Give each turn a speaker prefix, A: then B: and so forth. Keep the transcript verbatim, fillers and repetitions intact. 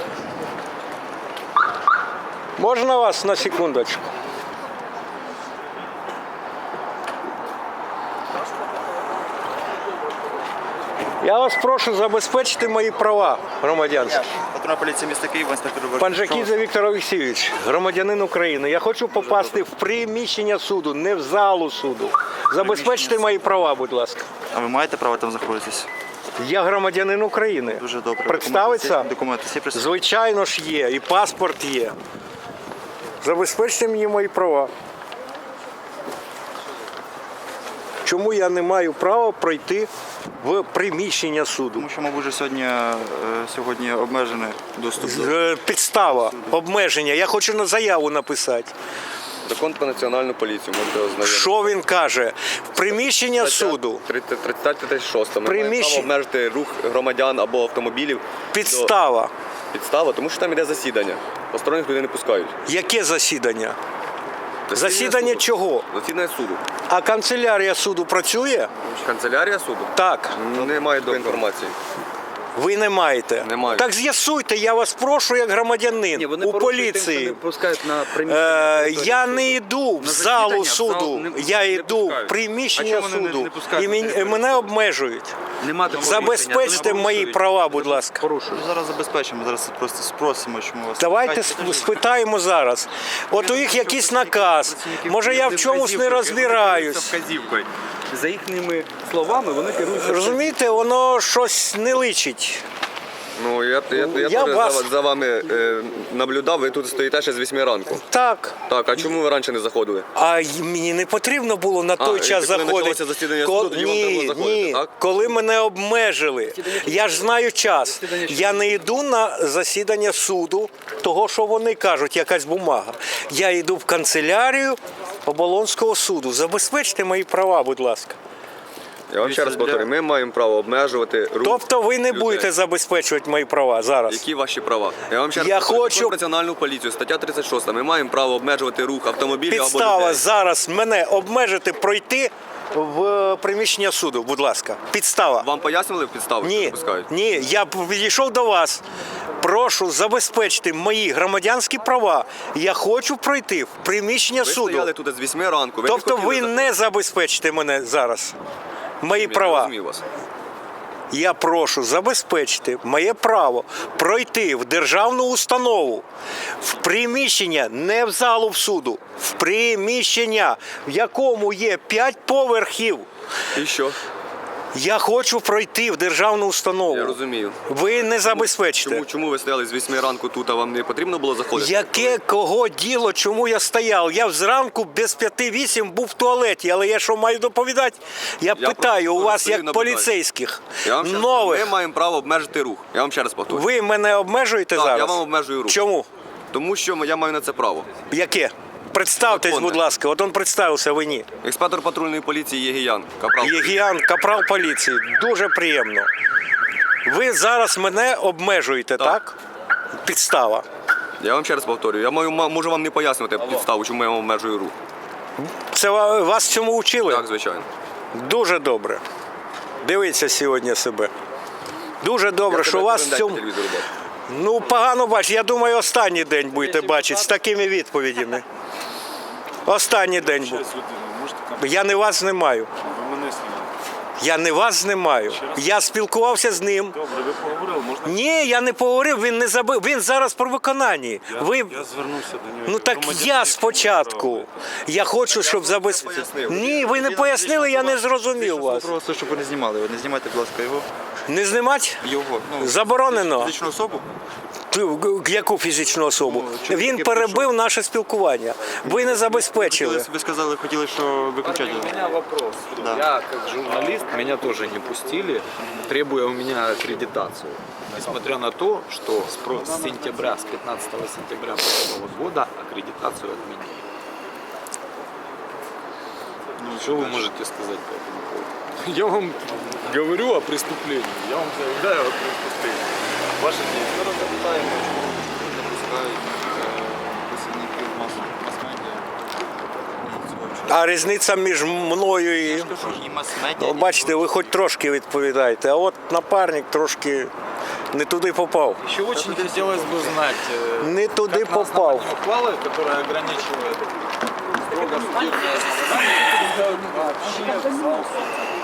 A: Можна вас на секундочку? Я вас прошу забезпечити мої права громадянські.
B: Патрульна поліція міста Києва, інспектор Віктор.
A: Панжакідзе Віктор Олексійович, громадянин України. Я хочу попасти в приміщення суду, не в залу суду. Забезпечте мої права, будь ласка.
B: А ви маєте право там знаходитись?
A: Я громадянин України.
B: Дуже добре.
A: Представиться?
B: Документи всі присутні?
A: Звичайно ж є, і паспорт є. Забезпечте мені мої права. Чому я не маю права пройти в приміщення суду?
B: Тому що, мабуть, вже сьогодні, е, сьогодні обмежений доступ до...
A: Е, Підстава, обмеження. Я хочу на заяву написати.
C: Закон про національну поліцію, можете ознайомитися.
A: Що він каже? В приміщення суду.
C: тридцять тридцять шість. Ми маємо
A: Приміщ-
C: право обмежити рух громадян або автомобілів.
A: Підстава.
C: До... Підстава, тому що там іде засідання. Посторонніх людей не пускають.
A: Яке засідання? Засідання
C: суду.
A: чого?
C: Засідання суду.
A: А канцелярія суду працює?
C: Канцелярія суду?
A: Так.
C: Немає до інформації.
A: Ви не маєте?
C: Не маю.
A: Так з'ясуйте, я вас прошу як громадянин у поліції.
D: Не пускають на
A: Е,
D: приміщення.
A: я не йду в залу
D: засідання, в зал
A: суду,
D: не-
A: я
D: не
A: йду в
D: пускають.
A: приміщення
D: А чому вони не-
A: суду
D: не пускають
A: і
D: на
A: мен-
D: територію
A: мене обмежують.
D: Нема такого
A: Забезпечте
D: рішення, вони
A: мої
D: порушують.
A: права, будь ласка.
D: Порушують.
B: Ми зараз забезпечимо, зараз просто спросимо, чому вас...
A: Давайте
B: Чекайте,
A: сп- спитаємо зараз. От у їх якийсь наказ. Може я в чомусь не розбираюсь.
D: Вказівкою. За їхніми словами вони керуються.
A: Розумієте, воно щось не личить.
C: Ну, я, я, я,
A: Я
C: теж
A: вас-
C: за, за вами е, наблюдав, ви тут стоїте ще з вісьми ранку.
A: Так.
C: Так, а чому ви раніше не заходили?
A: А й- мені не потрібно було на той
C: і
A: час
C: коли
A: заходити.
C: почалося засідання
A: Ко-
C: суду, тоді вам треба
A: ні,
C: було заходити,
A: ні.
C: так?
A: Коли мене обмежили, я ж знаю час. Я не йду на засідання суду, того, що вони кажуть, якась бумага. Я йду в канцелярію Оболонського суду. Забезпечте мої права, будь ласка.
C: Я вам ще раз повторюю, ми маємо право обмежувати рух
A: Тобто ви не
C: людей.
A: будете забезпечувати мої права зараз.
C: Які ваші права? Я вам ще раз
A: Я
C: повторюю,
A: хочу-
C: Закон про національну поліцію, стаття тридцять шість. Ми маємо право обмежувати рух автомобілів або
A: Підстава
C: людей.
A: зараз мене обмежити пройти в приміщення суду, будь ласка. Підстава.
C: Вам пояснювали підстави, що не
A: Ні,
C: пускають?
A: ні, я підійшов до вас. Прошу забезпечити мої громадянські права. Я хочу пройти в приміщення
C: Ви
A: суду.
C: стояли тут з вісьми ранку. Ви
A: Тобто
C: не хотіли
A: ви
C: заходити.
A: не забезпечите мене зараз. Мої
C: Я не
A: права.
C: розумію вас.
A: Я прошу забезпечити моє право пройти в державну установу, в приміщення, не в залу в суду, в приміщення, в якому є п'ять поверхів.
C: І що?
A: Я хочу пройти в державну установу.
C: Я розумію.
A: Ви не забезпечите.
C: Чому, чому ви стояли з вісьми ранку тут, а вам не потрібно було заходити?
A: Яке кого діло, чому я стояв? Я зранку без п'яти вісім був в туалеті, але я що маю доповідати? Я,
C: Я
A: питаю
C: просто
A: у вас
C: стою,
A: як
C: наблюдаю.
A: поліцейських
C: Я вам ще раз-
A: нових.
C: Ми маємо право обмежити рух. Я вам ще раз повторюю.
A: Ви мене обмежуєте
C: Так,
A: зараз?
C: я вам обмежую рух.
A: Чому?
C: Тому що я маю на це право.
A: Яке? Представтесь,
C: Законне.
A: будь ласка. От він представився, ви ні.
C: Інспектор патрульної поліції Єгіян. Капрал.
A: Єгіян, капрал поліції. Дуже приємно. Ви зараз мене обмежуєте, так?
C: Так.
A: Підстава.
C: Я вам ще раз повторюю. Я маю, ма- можу вам не пояснювати підставу, чому я вам обмежую рух.
A: Це ва- вас цьому вчили?
C: Так, звичайно.
A: Дуже добре. Дивіться сьогодні себе. Дуже добре,
C: Я
A: що
C: тебе
A: у вас
C: кожен
A: в
C: день
A: цьому.
C: по телевізору бачу.
A: Ну, погано бачу. Я думаю, останній день будете бачити з такими відповідями. Останній день буде. Я не вас знімаю. Я не вас знімаю. Я спілкувався з ним.
E: Добре, ви поговорили, можна?
A: Ні, я не поговорив, він не забив. Він зараз про виконанні. Ви...
E: Я звернувся до нього.
A: Ну так
E: Громадянин,
A: я
E: який
A: спочатку.
E: має
A: Я хочу, щоб забезпечити. Ні, ви не пояснили, я не зрозумів вас.
B: Просто, щоб ви не знімали. Ви не знімайте, будь ласка, його.
A: Не знімати?
B: Його. Ну,
A: Заборонено.
B: фізичну особу.
A: Яку фізичну особу?
B: Ну, чоловік,
A: Він
B: який
A: перебив наше спілкування. Ви не забезпечили.
B: Хотіли- Ви сказали, хотіли, що виключати.
D: У меня вопрос.
B: Да.
D: Я как журналист, меня тоже не пустили, требуя у меня аккредитацию. Несмотря на то, что с про- с сентября, с пятнадцатого сентября прошлого года аккредитацию отменили. Ну, что вы можете сказать по этому поводу? Я вам говорю о преступлении, я вам заявляю о преступлении. Ваши действия.
B: Зараз запитаємо, чому не пускають працівників мас-медіа.
A: А різниця між мною і.
B: І мас-медіа.
A: Ну, бачите, ви хоч трошки відповідаєте, а от напарник трошки Не туди попав.
D: Еще очень хотелось бы знать, э,
A: Не туди
D: как на
A: попав.
D: основании ухвалы, которая ограничивает строго судебное заседание, вообще